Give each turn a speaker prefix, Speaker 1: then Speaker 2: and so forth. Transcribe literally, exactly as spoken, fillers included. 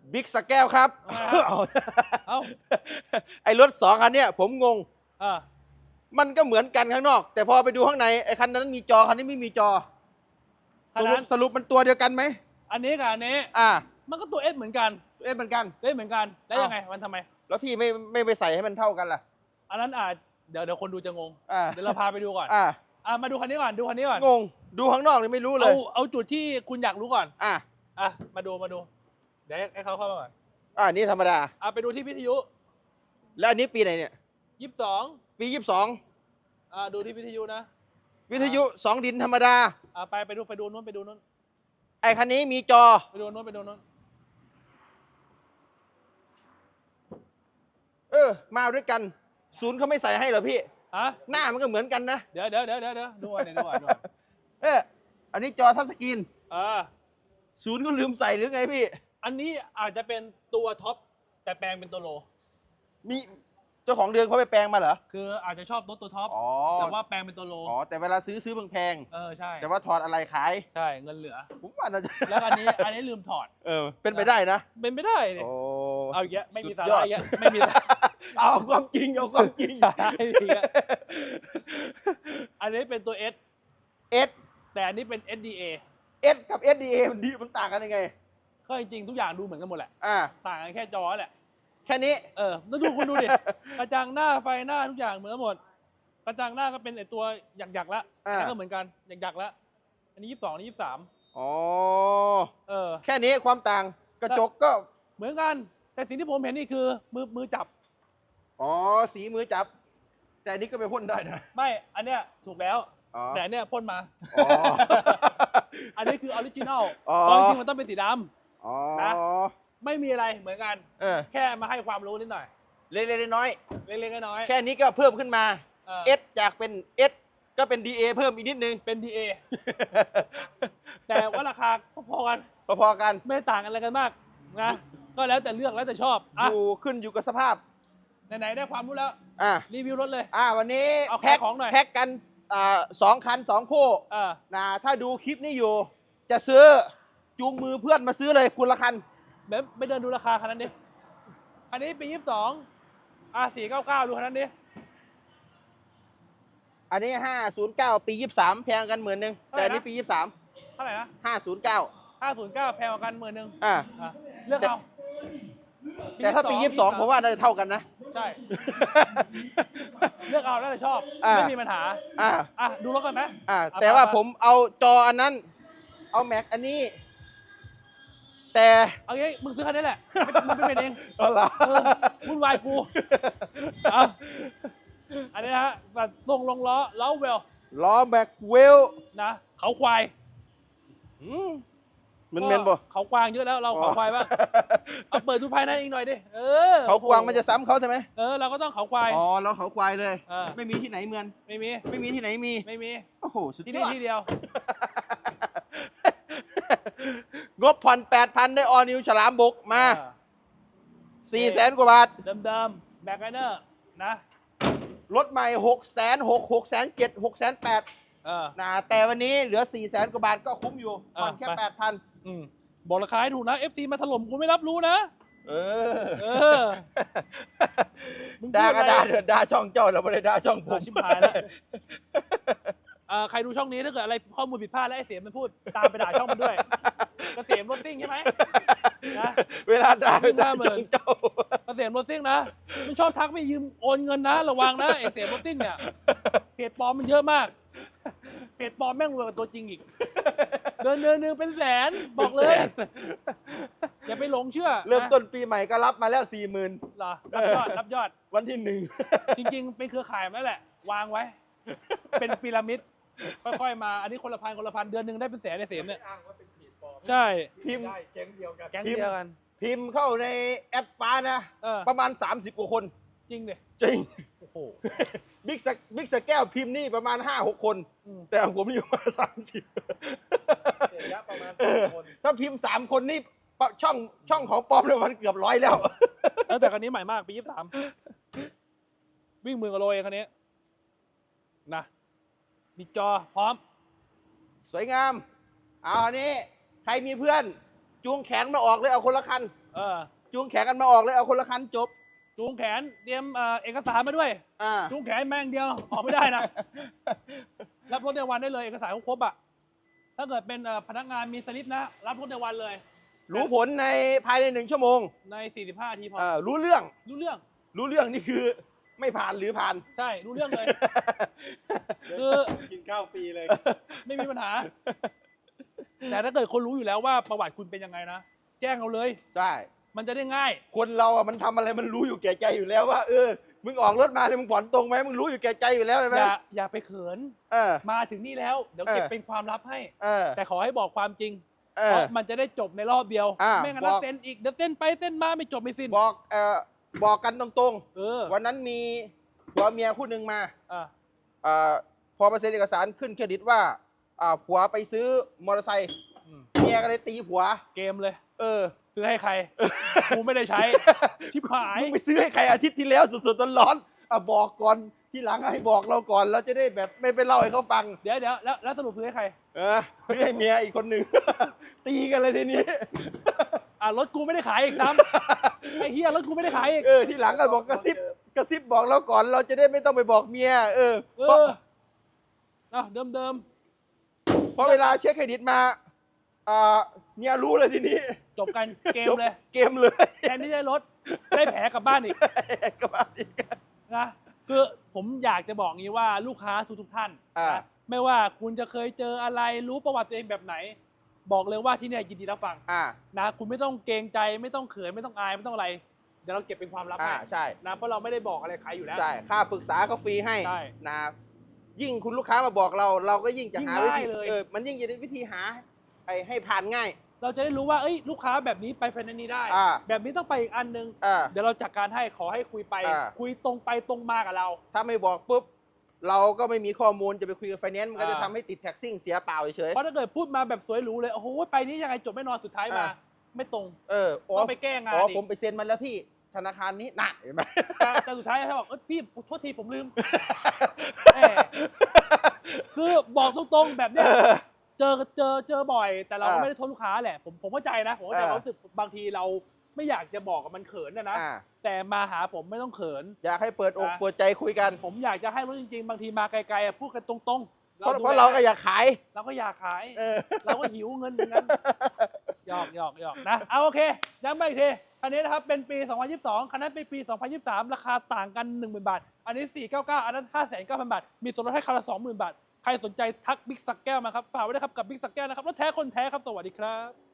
Speaker 1: บิ๊กสแก้วครับ
Speaker 2: เอ้า
Speaker 1: ไอ้รถสองคันเนี้ยผมงง
Speaker 2: อ่า
Speaker 1: มันก็เหมือนกันข้างนอก แต่พอไปดูข้างในไอ้คันนั้นมีจอคันนี้ไม่มีจอ
Speaker 2: คัน
Speaker 1: สรุ
Speaker 2: นั้
Speaker 1: ป
Speaker 2: น
Speaker 1: สรุปมันตัวเดียวกันไหม
Speaker 2: อันนี้กับอันนี้
Speaker 1: อ่า
Speaker 2: มันก็ตัวเอสเหมือนกัน
Speaker 1: เอ๊ะเหมือนกัน
Speaker 2: เล่นเหมือนกันแล้วยังไงมันทำไม
Speaker 1: แล้วพี่ไม่ไม่ไปใส่ให้มันเท่ากันล่ะ
Speaker 2: อันนั้นอาจเดี๋ยวเดี๋ยวคนดูจะงง
Speaker 1: อ่า
Speaker 2: เดี๋ยวเราพาไปดูก่อน
Speaker 1: อ่า
Speaker 2: อ่ามาดูคันนี้ก่อนดูคันนี้ก่อน
Speaker 1: งงดูข้างนอกนี่ไม่รู้เล
Speaker 2: เอา
Speaker 1: ย
Speaker 2: เอาจุดที่คุณอยากรู้ก่อน
Speaker 1: อ่า
Speaker 2: อ่ะมาดูมาดูเดี๋ยวให้เขาเข้ามาก่อน
Speaker 1: อ่านี่ธรรมดา
Speaker 2: อ่ะไปดูที่วิทยุ
Speaker 1: แล้วอันนี้ปีไหนเนี่ย
Speaker 2: ยี่สิบสอง
Speaker 1: ปียี่สิบสอง
Speaker 2: อ่าดูที่วิทยุนะ
Speaker 1: วิทยุสองดินธรรมดา
Speaker 2: อ่าไปไปดูไปดูนู้นไปดูนู้น
Speaker 1: ไอ้คันนี้มีจอ
Speaker 2: ไปดูนู้นไปดูนู้น
Speaker 1: เออ มาด้วยกัน ศูนย์เขาไม่ใส่ให้เหรอพี่
Speaker 2: อ่ะ
Speaker 1: หน้ามันก็เหมือนกันนะ
Speaker 2: เดี๋ยวเดี๋ยวเดี๋ยวเดี๋ยวเดี๋ยวดูก่อนเดี๋ยวดูก่อนดูก่อน
Speaker 1: เอออันนี้จอทัชสกรีน
Speaker 2: อ่า
Speaker 1: ศูนย์ก็ลืมใส่หรือไงพี่
Speaker 2: อันนี้อาจจะเป็นตัวท็อปแต่แปลงเป็นตัวโล
Speaker 1: มีเจ้าของเดือนเขาไปแปลงมาเหรอ
Speaker 2: คืออาจจะชอบรถตัวท็อป
Speaker 1: อ๋อ
Speaker 2: แต่ว่าแปลงเป็นตัวโล
Speaker 1: อ๋อ แต่เวลาซื้อซื้อแพง
Speaker 2: เออใช่
Speaker 1: ๆแต่ว่าถอดอะไรขาย
Speaker 2: ใช่เงินเหลือ
Speaker 1: ผมว่าน่าจะ
Speaker 2: แล้วอันนี้อันนี้ลืมถอด
Speaker 1: เออ เป็นไปได้นะ
Speaker 2: เป็นไม่ได้เนี่ย
Speaker 1: โอ้
Speaker 2: เอาอีกแล้วไม่มี
Speaker 1: สุด
Speaker 2: สาย
Speaker 1: อ
Speaker 2: ระ
Speaker 1: ด
Speaker 2: อีกแล้วไม่มีสาระ
Speaker 1: เอาความจริงเอาความจริง
Speaker 2: สาระอีกแล้วอันนี้เป็นตัว S
Speaker 1: S
Speaker 2: แต่อันนี้เป็น เอส ดี เอ
Speaker 1: S กับ เอส ดี เอ มันดีมันต่างกันยังไง
Speaker 2: ก็จริงๆทุกอย่างดูเหมือนกันหมดแหละ
Speaker 1: อ่า
Speaker 2: ต่างกันแค่จอแหละ
Speaker 1: แค่นี้
Speaker 2: เออแล้วดูคุณดูดิ กระจังหน้าไฟหน้าทุกอย่างเหมือนกันหมด กระจังหน้าก็เป็นไอตัวหยักๆละ
Speaker 1: อ่า
Speaker 2: อันนี้ก็เหมือนกันหยักๆละอันนี้ยี่สิบสองอันนี้ยี่สิบสาม
Speaker 1: อ๋อ
Speaker 2: เออ
Speaker 1: แค่นี้ความต่างกระจกก็
Speaker 2: เหมือนกัน แต่สิ่งที่ผมเห็นนี่คือมือมือจับ
Speaker 1: อ๋อ สีมือจับ แต่อันนี้ก็ไปพ่นได้นะ
Speaker 2: ไม่ อันเนี้ยถูกแล้ว
Speaker 1: อ๋อ
Speaker 2: แต่อันเนี้ยพ่นมา
Speaker 1: อ๋อ
Speaker 2: อันนี้คือออริจินอล
Speaker 1: อ๋อ
Speaker 2: เพราะจริงๆมันต้องเป็นสีด
Speaker 1: อ๋อ
Speaker 2: นะ ำไม่มีอะไรเหมือนกัน
Speaker 1: เออ
Speaker 2: แค่มาให้ความรู้นิดหน่อย
Speaker 1: เล็กๆน้อย
Speaker 2: เล็กๆน้อย
Speaker 1: ๆแค่นี้ก็เพิ่มขึ้นมา
Speaker 2: ๆเออ
Speaker 1: S จากเป็น S ก็เป็น ดี เอ เพิ่มอีกนิดนึง
Speaker 2: เป็น ดี เอ แต่ว่าราคาพอๆกัน
Speaker 1: พอๆกัน
Speaker 2: ไม่ได้ต่างกันอะไรกันมากนะ ก็แล้วแต่เลือกแล้วแต่ชอบ อ่ะ
Speaker 1: อยู่ขึ้นอยู่กับสภาพ
Speaker 2: ไหนๆได้ความรู้แล้ว
Speaker 1: อ่า
Speaker 2: รีวิวรถเลย
Speaker 1: อ่า วันนี้
Speaker 2: เอา
Speaker 1: แพ็ค
Speaker 2: ขายของหน่อย
Speaker 1: แพ็คกันอ่าสองคันสองคู่
Speaker 2: เออ
Speaker 1: นะถ้าดูคลิปนี้อยู่ จะซื้อจูงมือเพื่อนมาซื้อเลยคุณละคัน
Speaker 2: แบบไปเดินดูราคาคันนั้นดิ อันนี้ปียี่สิบสองอ่ะสี่เก้าเก้าดูคันนั้นดิ
Speaker 1: อันนี้ห้าศูนย์เก้าปียี่สิบสามแพงกันหมื่นหนึ่งแต่อันนี้ปียี่สิบสาม
Speaker 2: เท่าไหร่นะ
Speaker 1: ห้าศูนย์เก้า
Speaker 2: ห้าศูนย์เก้าแพงกว่ากันหมื่นหนึ่ง
Speaker 1: อ่า
Speaker 2: อ่ะเลือกเอา
Speaker 1: แต่ถ้าปียี่สิบสองผมว่าน่าจะเท่ากันนะ
Speaker 2: ใช่ เลือกเอาแล้วแต่ชอบ
Speaker 1: อ่า
Speaker 2: ไม่มีปัญหา
Speaker 1: อ่า
Speaker 2: อ่ะดูรถกันไหม
Speaker 1: อ่า
Speaker 2: อ่ะ
Speaker 1: แต่ว่า
Speaker 2: ไปๆ
Speaker 1: ผมเอาจออันนั้น เอาแม็กอันนี้ แต่
Speaker 2: เอางี้มึงซื้อคันนี้แหละไม่มึงไม่เป็นเอง
Speaker 1: เอาล่ะ
Speaker 2: เออวุ่นวายกูเอาอันนี้นะฮะแบบทรงลงล้อล้อเวล
Speaker 1: ล้อแม็กเวล
Speaker 2: นะ เขาควาย
Speaker 1: อืมมันเมนบ่
Speaker 2: เขากวางเยอะแล้วเราเขาควายบ้างเอาเปิดดูภายในอีกหน่อยดิ เออ
Speaker 1: เขากวางมันจะซ้ำเขาใช่ไหม
Speaker 2: เออเราก็ต้องเขาควาย
Speaker 1: อ๋อเราเขาควายเลย
Speaker 2: เออ
Speaker 1: ไม่มีที่ไหนเหมือน
Speaker 2: ไม่มี
Speaker 1: ไม่มีที่ไหนมี
Speaker 2: ไม่มี
Speaker 1: โอ้โห สุด
Speaker 2: ที่
Speaker 1: ย
Speaker 2: นี่
Speaker 1: อด
Speaker 2: ที่เดียว
Speaker 1: งบผ่อนแปดพันได้ออนิวฉลามบกมา
Speaker 2: เออ
Speaker 1: สี่แสนกว่าบาท
Speaker 2: เดิมๆแบ็คไนเนอร์นะ
Speaker 1: รถใหม่หกแสนหกหกแสนเจ็ดหกแสนแปด
Speaker 2: เออ
Speaker 1: นะแต่วันนี้เหลือสี่แสนกว่าบาทก็คุ้มอยู่ผ่อนแค่
Speaker 2: อ่ะไป
Speaker 1: แปดพัน
Speaker 2: อืมบอกราคาให้ถูกนะ เอฟ ซี มาถล่มกูไม่รับรู้นะ
Speaker 1: เออ
Speaker 2: เออ มึงพู
Speaker 1: ด่า
Speaker 2: ด
Speaker 1: ก็
Speaker 2: อะไร
Speaker 1: ด่าเถอะด่าช่องเจ้าเราไม่ได้ด่าช่องผ
Speaker 2: เออ
Speaker 1: ม
Speaker 2: ชิบหายแล้ว เอ่อใครดูช่องนี้ถ้าเกิดอะไรข้อมูลผิดพลาดแล้วไอ้เสียมมันพูดตามไปด่าช่องมันด้วยเกษมรถซิ่งใช่ไหมนะ
Speaker 1: เวลาด่า
Speaker 2: วิ่ง
Speaker 1: ด่า
Speaker 2: ห้าหมื่น
Speaker 1: ช่องเจ้า
Speaker 2: เกษมรถซิ่งนะมันชอบทักไม่ยืมโอนเงินนะระวังนะไอ้เสียมรถซิ่งเนี่ยเพจปลอมมันเยอะมากเพจปลอมแม่งรวยกว่าตัวจริงอีกเดินเดินหนึ่งเป็นแสนบอกเลยอย่าไปหลงเชื่อ
Speaker 1: เริ่ม
Speaker 2: นะ
Speaker 1: ต้นปีใหม่ก็รับมาแล้วสี่หมื่น
Speaker 2: เหรอรับยอดรับยอด
Speaker 1: วันที่หนึ่ง
Speaker 2: จริงๆ เป็นเครือข่ายมาแล้วแหละ วางไว้ เป็นพีระมิด ค่อยๆ มา อันนี้คนละพันคนละพัน เดือนหนึ่งได้เป็นแสนในเสียมเนี่ย
Speaker 3: อ้างว่าเป็นเพจปลอม
Speaker 2: ใช่
Speaker 1: พิมพ์
Speaker 3: ได้แก๊งเดียวกัน
Speaker 2: แก๊งเดียวกัน
Speaker 1: พิมพ์เข้าในแอปฟ้านะ
Speaker 2: เออ
Speaker 1: ประมาณ สามสิบกว่าคน
Speaker 2: จริงดิ
Speaker 1: จริง
Speaker 2: โอ้โห
Speaker 1: บิ๊กสบิ๊กสแก้วพิมพ์นี่ประมาณ ห้าหก คน
Speaker 2: อืม
Speaker 1: แต่ของผมนี่ประมาณสามสิบ
Speaker 3: เสียยะประมาณ
Speaker 1: เอ
Speaker 3: สาม
Speaker 1: อ
Speaker 3: คน
Speaker 1: ถ้าพิมพ์สามคนนี่ปะช่องช่องของปลอมเลยมันเกือบร้อยแล้ว
Speaker 2: แล้วแต่คันนี้ใหม่มาก ปียี่สิบสามวิ่งหมื่นกว่าโลเองคันนี้ นะ มีจอพร้อม
Speaker 1: สวยงาม เอาอันนี้ ใครมีเพื่อนจูงแขนมาออกเลยเอาคนละคัน
Speaker 2: เออ
Speaker 1: จูงแขนกันมาออกเลยเอาคนละคันจบ
Speaker 2: จูงแขนเตรียมเอ่อเอกสารมาด้วย
Speaker 1: อ่า
Speaker 2: จูงแขนแม่งเดียวออกไม่ได้นะ รับรถในวันได้เลยเอกสารครบอ่ะถ้าเกิดเป็นเอ่อพนักงานมีสลิปนะรับรถในวันเลย
Speaker 1: รู้ผลในภายในหนึ่งชั่วโมง
Speaker 2: ในสี่สิบห้านาทีพอ
Speaker 1: เออรู้เรื่อง
Speaker 2: รู้เรื่อง
Speaker 1: รู้เรื่องนี่คือไม่ผ่านหรือผ่าน
Speaker 2: ใช่รู้เรื่องเลย คือ
Speaker 3: กินข้าวฟรีเลย
Speaker 2: ไม่มีปัญหา แต่ถ้าเกิดคนรู้อยู่แล้วว่าประวัติคุณเป็นยังไงนะแจ้งเราเลย
Speaker 1: ใช่
Speaker 2: มันจะได้ง่าย
Speaker 1: คนเราอ่ะมันทำอะไรมันรู้อยู่แก่ใจอยู่แล้วว่าเออมึงออกรถมาเนี่ยมึงผ่อนตรงไหมมึงรู้อยู่แก่ใจอยู่แล้วใช่ไหม
Speaker 2: อย่าอย่าไปเขิน
Speaker 1: เออ
Speaker 2: มาถึงนี่แล้วเดี๋ยวเก็บ
Speaker 1: เออ
Speaker 2: เป็นความลับให้
Speaker 1: เออ
Speaker 2: แต่ขอให้บอกความจริง
Speaker 1: เอ
Speaker 2: เพ
Speaker 1: อ
Speaker 2: ราะมันจะได้จบในรอบเดียว
Speaker 1: อ่า
Speaker 2: ไม่งั้น
Speaker 1: บอก
Speaker 2: เส้นอีกเดี๋ยวเส้นไปเส้นมาไม่จบไม่สิ้น
Speaker 1: บอกเออบอกกันตรง
Speaker 2: เออ
Speaker 1: ๆ วันนั้นมีผัวเมียคู่หนึ่งมา
Speaker 2: อ่า
Speaker 1: เอ่อพอมาเซ็นเอกสารขึ้นเครดิตว่าอ่าผัวไปซื้อมอเตอร์ไซค์
Speaker 2: อืม
Speaker 1: เมียก็เลยตีผัว
Speaker 2: เกมเลย
Speaker 1: เออ
Speaker 2: ซื้อให้ใคร กูไม่ได้ใช้ ชิบหาย
Speaker 1: มึงไปซื้อให้ใครอาทิตย์ที่แล้วสดๆร้อนๆอ่ะบอกก่อนที่หลังให้บอกเราก่อนเราจะได้แบบไม่ไปเล่าให้เขาฟัง
Speaker 2: เดี๋ยวเดี๋ยวแล้วแล้วสรุปซื้อให้ใคร
Speaker 1: เออซื้อให้เมียอีกคนหนึ่ง ตีกันเลยทีนี้
Speaker 2: อ่ารถกูไม่ได้ขายอีกน้ำ ไอ้เฮียรถกูไม่ได้ขายอีก
Speaker 1: เออที่หลังก็บอกกระซิบกระซิบบอกเราก่อนเราจะได้ไม่ต้องไปบอกเมียเออ
Speaker 2: เอ
Speaker 1: เพราะ
Speaker 2: ออ่ะเดิมเดิม
Speaker 1: เพราะเวลาเช็คเครดิตมาอ่าเมียรู้เลยทีนี้
Speaker 2: ๆจบกันเกมเลย
Speaker 1: เกมเลย
Speaker 2: แทนที่ได้รถได้แผลกลับบ้านอีก
Speaker 1: กลับมาอีก
Speaker 2: นะคือผมอยากจะบอกงี้ว่าลูกค้าทุกทุกๆท่าน
Speaker 1: อ่า
Speaker 2: นะไม่ว่าคุณจะเคยเจออะไรรู้ประวัติตัวเองแบบไหน บอกเลยว่าที่เนี่ยยินดีรับฟัง
Speaker 1: อ่า
Speaker 2: นะคุณไม่ต้องเกรงใจไม่ต้องเขินไม่ต้องอายไม่ต้องอะไรเดี๋ยวเราเก็บเป็นความลับ
Speaker 1: อ่า
Speaker 2: ให้
Speaker 1: ใช่
Speaker 2: นะเพราะเราไม่ได้บอกอะไรใครอยู่แล้ว
Speaker 1: ใช่ค่าปรึกษาก็ฟรีให้
Speaker 2: ใช่
Speaker 1: นะยิ่งคุณลูกค้ามาบอกเรา เราก็ยิ่งจะหา
Speaker 2: ยิ่ง
Speaker 1: วิ
Speaker 2: ง่าย
Speaker 1: ธี
Speaker 2: เลย
Speaker 1: เออมันยิ่งจะได้วิธีหาไอ้ให้ผ่านง่าย
Speaker 2: เราจะได้รู้ว่าเอ้ยลูกค้าแบบนี้ไปไฟแนนซ์นี้ได้
Speaker 1: อ่า
Speaker 2: แบบนี้ต้องไปอีกอันนึง
Speaker 1: อ่า
Speaker 2: เดี๋ยวเราจัดการให้ขอให้คุยไป
Speaker 1: อ่า
Speaker 2: คุยตรงไปตรงมากับเรา
Speaker 1: ถ้าไม่บอกปุ๊บเราก็ไม่มีข้อมูลจะไปคุยกับไฟแนนซ์มันก็จะ
Speaker 2: อ่า
Speaker 1: ทำให้ติดแท็กซิ่งเสียเปล่าเฉย
Speaker 2: เพราะถ้าเกิดพูดมาแบบสวยหรูเลยโอ้โหไปนี้ยังไงจบไม่นอนสุดท้ายมา
Speaker 1: อ่า
Speaker 2: ไม่ตรง
Speaker 1: เอออ๋อ
Speaker 2: ต้องไปแก้งาน
Speaker 1: อ๋อ
Speaker 2: อีก
Speaker 1: ผมไปเซ็นมันแล้วพี่ธนาคารนี้น่ะเห็นไหม
Speaker 2: แต่แต่สุดท้ายให้บอกเอ้ยพี่โทษทีผมลืม แหม คือบอกตรงๆแบบเนี้ยเจอเจอเจอบ่อย แต่เราก็
Speaker 1: อ่า
Speaker 2: ไม่ได้โทษลูกค้าแหละผมผมเข้าใจนะผมเข้าใจ
Speaker 1: อ่า
Speaker 2: ความรู้สึกบางทีเราไม่อยากจะบอกกับมันเขินนะนะ
Speaker 1: อ่า
Speaker 2: แต่มาหาผมไม่ต้องเขิน
Speaker 1: อยากให้เปิดอก
Speaker 2: อ่ะ
Speaker 1: เปิดใจคุยกัน
Speaker 2: ผมอยากจะให้รู้จริงๆ บางทีมาไกลๆอ่ะพูดกันตรงๆ
Speaker 1: เพราะ
Speaker 2: ดู
Speaker 1: เพราะ
Speaker 2: แล
Speaker 1: เราก็อยากขาย
Speaker 2: เราก็อยากขาย
Speaker 1: เออ
Speaker 2: เราก็หิวเงินเหมือนกันหยอกหยอกหยอกนะเอาโอเคย้ำไปอีกทีคันนี้นะครับเป็นปี สองพันยี่สิบสองคันนั้นเป็นปี สองพันยี่สิบสาม ราคาต่างกัน หนึ่งหมื่น บาท อันนี้ สี่พันเก้าร้อยเก้าสิบ อันนั้น ห้าแสนเก้าพัน บาท มีส่วนลดให้คันละ สองหมื่น บาท ใครสนใจทักบิ๊กสักแก้วมาครับฝากไว้ด้วยครับกับบิ๊กสักแก้วนะครับรถแท้คนแท้ครับสวัสดีครับ